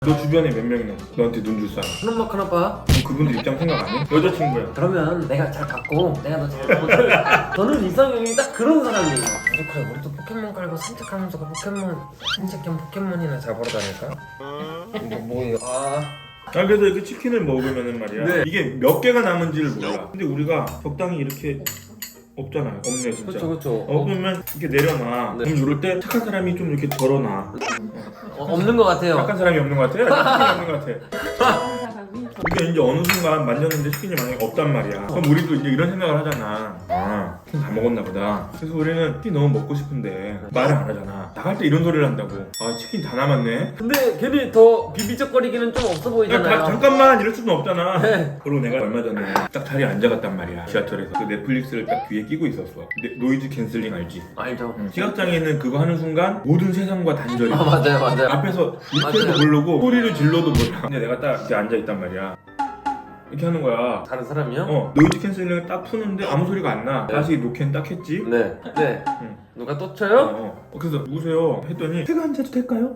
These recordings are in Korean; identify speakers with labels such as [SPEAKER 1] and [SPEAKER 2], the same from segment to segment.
[SPEAKER 1] 너 주변에 몇 명이나 너한테 눈 줄 사람?
[SPEAKER 2] 큰엄마 큰아빠.
[SPEAKER 1] 그분들 입장 생각 안 해? 여자친구야.
[SPEAKER 2] 그러면 내가 잘 받고 내가 너 잘 보고 저는 이상형이 딱 그런 사람이에요. 그래 우리도 포켓몬 깔고 산책하면서 그 포켓몬 산책 겸 포켓몬이나 잡으러 다닐까? 뭐예요?
[SPEAKER 1] 그래서 이렇게 치킨을 먹으면은 말이야
[SPEAKER 2] 네.
[SPEAKER 1] 이게 몇 개가 남은지를 몰라. 근데 우리가 적당히 이렇게 없잖아요. 없네 진짜.
[SPEAKER 2] 그렇죠.
[SPEAKER 1] 그러면 이렇게 내려놔.
[SPEAKER 2] 네.
[SPEAKER 1] 그럼 이럴 때 착한 사람이 좀 이렇게 덜어놔.
[SPEAKER 2] 없는 것 같아요.
[SPEAKER 1] 착한 사람이 없는 것 같아? 치킨이 없는 것 같아. 이게 이제 어느 순간 만졌는데 치킨이 만약에 없단 말이야. 그럼 우리도 이제 이런 생각을 하잖아. 아, 치킨 다 먹었나 보다. 그래서 우리는 치킨 너무 먹고 싶은데 말을 안 하잖아. 나갈 때 이런 소리를 한다고. 아, 치킨 다 남았네.
[SPEAKER 2] 근데 괜히 더 비비적거리기는 좀 없어 보이잖아요.
[SPEAKER 1] 잠깐만 이럴 수는 없잖아.
[SPEAKER 2] 네.
[SPEAKER 1] 그리고 내가 얼마 전에 딱 자리에 앉아갔단 말이야. 지하철에서 그 넷플릭스를 딱 귀에 끼고 있었어. 노이즈 캔슬링 알지?
[SPEAKER 2] 알죠.
[SPEAKER 1] 시각장애는 그거 하는 순간 모든 세상과 단절이.
[SPEAKER 2] 맞아요.
[SPEAKER 1] 앞에서 밑에도
[SPEAKER 2] 맞아요.
[SPEAKER 1] 모르고 소리를 질러도 몰라. 근데 내가 딱 이렇게 앉아있단 말이야. 이렇게 하는 거야.
[SPEAKER 2] 다른 사람이요?
[SPEAKER 1] 노이즈 캔슬링을 딱 푸는데 아무 소리가 안 나.
[SPEAKER 2] 네.
[SPEAKER 1] 다시 노캔 딱 했지.
[SPEAKER 2] 네.
[SPEAKER 1] 응.
[SPEAKER 2] 누가 또 쳐요?
[SPEAKER 1] 그래서 누구세요? 했더니 제가 앉아도 될까요?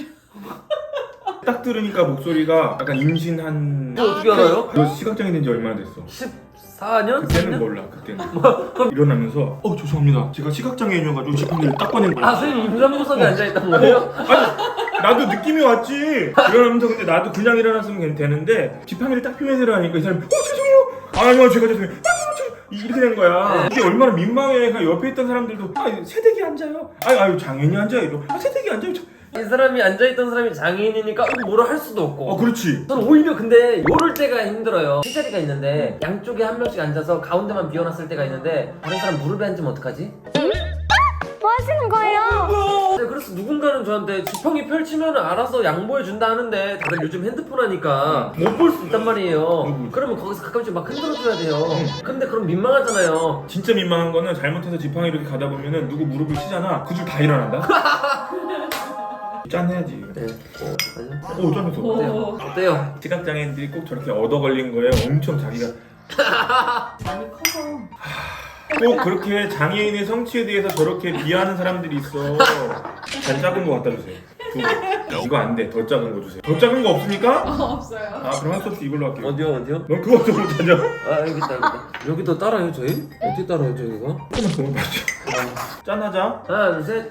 [SPEAKER 1] 딱 들으니까 목소리가 약간 임신한.
[SPEAKER 2] 어떻게 알아요?
[SPEAKER 1] 너 시각장애 된 지 얼마나 됐어?
[SPEAKER 2] 14년?
[SPEAKER 1] 그때는 몰라. 그때는 일어나면서 죄송합니다. 제가 시각장애인이어가지고 지팡이를 딱 꺼낸 거야.
[SPEAKER 2] 선생님 임산부석에 앉아있던 거예요?
[SPEAKER 1] 아니 나도 느낌이 왔지. 일어나면서 근데 나도 그냥 일어났으면 되는데 지팡이를 딱 펴면서 일어나니까 이 사람이 죄송해요. 아니요 제가 죄송해요. 이렇게 된 거야. 이게 얼마나 민망해. 그냥 옆에 있던 사람들도 새댁이 앉아요. 아유 장애인이 앉아요. 이러. 새댁이 앉아요.
[SPEAKER 2] 이 사람이 앉아있던 사람이 장애인이니까 뭐라 할 수도 없고.
[SPEAKER 1] 그렇지.
[SPEAKER 2] 저는 오히려 근데 요럴 때가 힘들어요. 세 자리가 있는데 양쪽에 한 명씩 앉아서 가운데만 비워놨을 때가 있는데 다른 사람 무릎에 앉으면 어떡하지?
[SPEAKER 3] 뭐 하시는 거예요?
[SPEAKER 2] 네, 그래서 누군가는 저한테 지팡이 펼치면 알아서 양보해준다 하는데 다들 요즘 핸드폰 하니까 못 볼 수 있단 말이에요. 그러면 거기서 가끔씩 막 흔들어줘야 돼요. 근데 그럼 민망하잖아요.
[SPEAKER 1] 진짜 민망한 거는 잘못해서 지팡이 이렇게 가다 보면은 누구 무릎을 치잖아. 그 줄 다 일어난다. 짠해야지.
[SPEAKER 2] 네.
[SPEAKER 1] 짠했어.
[SPEAKER 2] 어때요?
[SPEAKER 1] 시각장애인들이 꼭 저렇게 얻어 걸린 거에 엄청 자기가
[SPEAKER 4] 많이 커서
[SPEAKER 1] 꼭 그렇게 장애인의 성취에 대해서 저렇게 비하하는 사람들이 있어. 잘 작은 거 갖다 주세요. 두 개. 이거 안 돼. 더 작은 거 주세요. 더 작은 거 없습니까?
[SPEAKER 4] 없어요.
[SPEAKER 1] 그럼 한 수 없이 이걸로 할게요.
[SPEAKER 2] 어디요?
[SPEAKER 1] 넌 그거 좀 못하죠?
[SPEAKER 2] 여기 있다. 여기도 따라요 저희? 어떻게 따라요 저희가?
[SPEAKER 1] 조금만 더 맞죠. 짠하자.
[SPEAKER 2] 하나 둘 셋.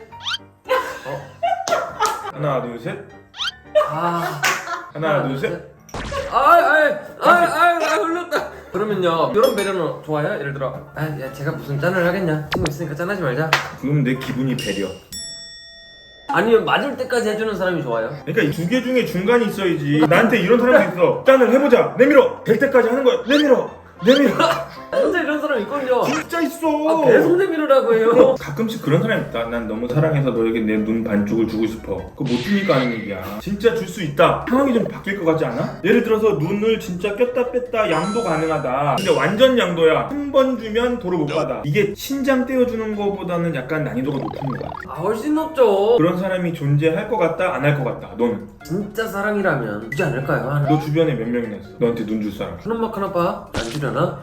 [SPEAKER 1] 하나 둘 셋.
[SPEAKER 2] 하나
[SPEAKER 1] 둘 셋.
[SPEAKER 2] 흘렀다. 그러면요 이런 배려는 좋아요? 예를 들어 야 제가 무슨 짠을 하겠냐 친구 있으니까 짠하지 말자.
[SPEAKER 1] 그럼 내 기분이 배려.
[SPEAKER 2] 아니면 맞을 때까지 해주는 사람이 좋아요?
[SPEAKER 1] 그러니까 이 두 개 중에 중간이 있어야지. 나한테 이런 사람도 있어. 짠을 해보자. 내밀어. 될 때까지 하는 거야. 내밀어.
[SPEAKER 2] 진짜 이런 사람 있거든요.
[SPEAKER 1] 진짜 있어.
[SPEAKER 2] 계속 내밀으라고 해요.
[SPEAKER 1] 가끔씩 그런 사람이 있다. 난 너무 사랑해서 너에게 내 눈 반쪽을 주고 싶어. 그거 못 주니까 하는 얘기야. 진짜 줄 수 있다. 상황이 좀 바뀔 것 같지 않아? 예를 들어서 눈을 진짜 꼈다 뺐다 양도 가능하다. 근데 완전 양도야. 한 번 주면 도로 못 받아. 이게 신장 떼어주는 거보다는 약간 난이도가 높은 것 같아.
[SPEAKER 2] 훨씬 높죠.
[SPEAKER 1] 그런 사람이 존재할 것 같다, 안 할 것 같다. 너는?
[SPEAKER 2] 진짜 사랑이라면 주지 않을까요? 하나.
[SPEAKER 1] 너 주변에 몇 명이나 있어? 너한테 눈 줄 사람?
[SPEAKER 2] 큰엄마 큰아빠 안 주려나?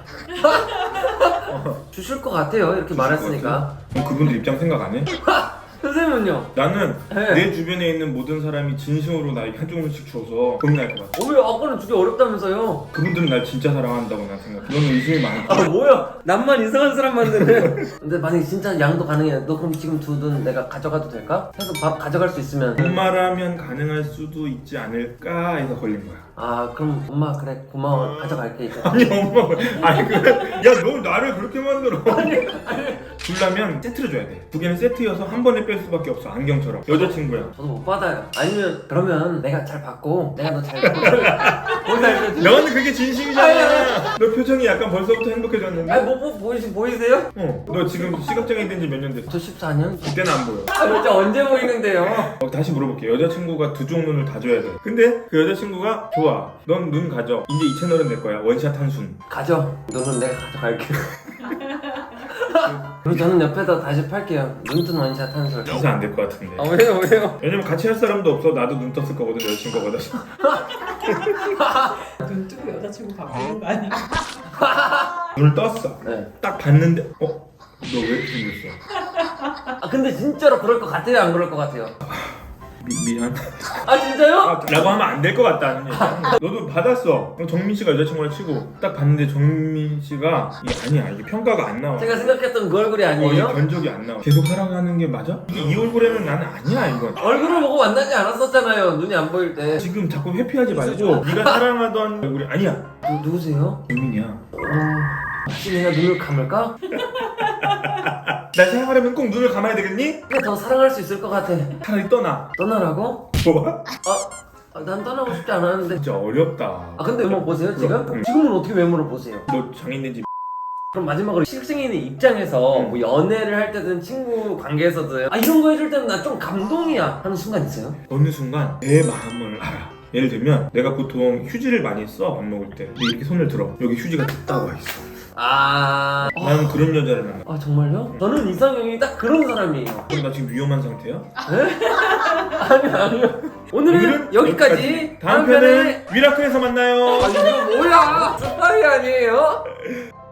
[SPEAKER 2] 주실 것 같아요 이렇게 말했으니까.
[SPEAKER 1] 그럼 그분들 입장 생각 안 해?
[SPEAKER 2] 선생님은요?
[SPEAKER 1] 나는
[SPEAKER 2] 네.
[SPEAKER 1] 내 주변에 있는 모든 사람이 진심으로 나에게 한 조금씩 줘서 고민할 것 같아.
[SPEAKER 2] 왜 아까는 주기 어렵다면서요?
[SPEAKER 1] 그분들은 날 진짜 사랑한다고 난 생각해. 너는 의심이 많고.
[SPEAKER 2] 뭐야 남만 이상한 사람 만드네. 근데 만약에 진짜 양도 가능해 너 그럼 지금 두 눈 내가 가져가도 될까? 해서 바로 가져갈 수 있으면
[SPEAKER 1] 엄마라면 가능할 수도 있지 않을까 해서 걸린 거야.
[SPEAKER 2] 그럼 엄마 그래 고마워 가져갈게 이제.
[SPEAKER 1] 아니 엄마 야너 나를 그렇게 만들어. 주려면 세트를 줘야 돼. 두 개는 세트여서 한 번에 뺄 수밖에 없어. 안경처럼. 여자친구야.
[SPEAKER 2] 저도 못 받아요. 아니면 그러면 내가 잘 받고 내가 너 잘 보살펴.
[SPEAKER 1] 너는 그게 진심이잖아. 너 표정이 약간 벌써부터 행복해졌는데?
[SPEAKER 2] 보이세요?
[SPEAKER 1] 너 지금 시각장애인 된 지 몇 년 됐어?
[SPEAKER 2] 저 14년?
[SPEAKER 1] 그때는 안 보여.
[SPEAKER 2] 진짜 언제 보이는데요?
[SPEAKER 1] 다시 물어볼게. 여자친구가 두 쪽 눈을 다 줘야 돼. 근데 그 여자친구가 좋아. 넌 눈 가져. 이제 이 채널은 내 거야. 원샷 한순.
[SPEAKER 2] 가져. 너는 내가 가져갈게. 그리고 저는 옆에다 다시 팔게요. 눈뜬 원샷 한 술.
[SPEAKER 1] 진짜 안 될 것 같은데.
[SPEAKER 2] 왜요?
[SPEAKER 1] 왜냐면 같이 할 사람도 없어. 나도 눈 떴을 거거든. 여자친구가 받아서.
[SPEAKER 4] 눈 뜨고 여자친구 바꾸는 거 아니야?
[SPEAKER 1] 눈을 떴어.
[SPEAKER 2] 네.
[SPEAKER 1] 딱 봤는데 너 왜 이렇게 생겼어?
[SPEAKER 2] 근데 진짜로 그럴 것 같아요? 안 그럴 것 같아요?
[SPEAKER 1] 미안.
[SPEAKER 2] 아 진짜요?
[SPEAKER 1] 라고 하면 안 될 것 같다는 얘기야. 너도 받았어. 정민 씨가 여자친구랑 치고 딱 봤는데 정민 씨가 이게 아니야. 이게 평가가 안 나와.
[SPEAKER 2] 제가 생각했던 그 얼굴이
[SPEAKER 1] 이게
[SPEAKER 2] 아니에요?
[SPEAKER 1] 견적이 안 나와. 계속 사랑하는 게 맞아? 이게 이 얼굴에는 나는 아니야 이건.
[SPEAKER 2] 얼굴을 보고 만나지 않았었잖아요. 눈이 안 보일 때.
[SPEAKER 1] 지금 자꾸 회피하지 말고 네가 사랑하던 얼굴이 아니야.
[SPEAKER 2] 누구세요?
[SPEAKER 1] 정민이야.
[SPEAKER 2] 혹시 내가 눈을 감을까?
[SPEAKER 1] 날 사랑하려면 꼭 눈을 감아야 되겠니?
[SPEAKER 2] 근데 더 사랑할 수 있을 것 같아.
[SPEAKER 1] 차라리 떠나.
[SPEAKER 2] 떠나라고?
[SPEAKER 1] 뭐?
[SPEAKER 2] 난 떠나고 싶지 않았는데.
[SPEAKER 1] 진짜 어렵다.
[SPEAKER 2] 아 근데 외모 보세요 지금?
[SPEAKER 1] 응.
[SPEAKER 2] 지금은 어떻게 외모를 보세요?
[SPEAKER 1] 너 장인인지
[SPEAKER 2] 그럼 마지막으로 실승인의 입장에서 뭐 연애를 할 때든 친구 관계에서든 이런 거 해줄 때는 나 좀 감동이야 하는 순간 있어요?
[SPEAKER 1] 어느 순간 내 마음을 알아. 예를 들면 내가 보통 휴지를 많이 써 밥 먹을 때. 근데 이렇게 손을 들어. 여기 휴지가 딱 나와 있어. 나는 그런 여자를 만나.
[SPEAKER 2] 정말요? 저는 이상형이 딱 그런 사람이에요.
[SPEAKER 1] 그럼 나 지금 위험한 상태야?
[SPEAKER 2] 아니요. 오늘은 여기까지.
[SPEAKER 1] 다음 편은 미라클에서 만나요.
[SPEAKER 2] 이거 뭐야? 스파이 아니에요?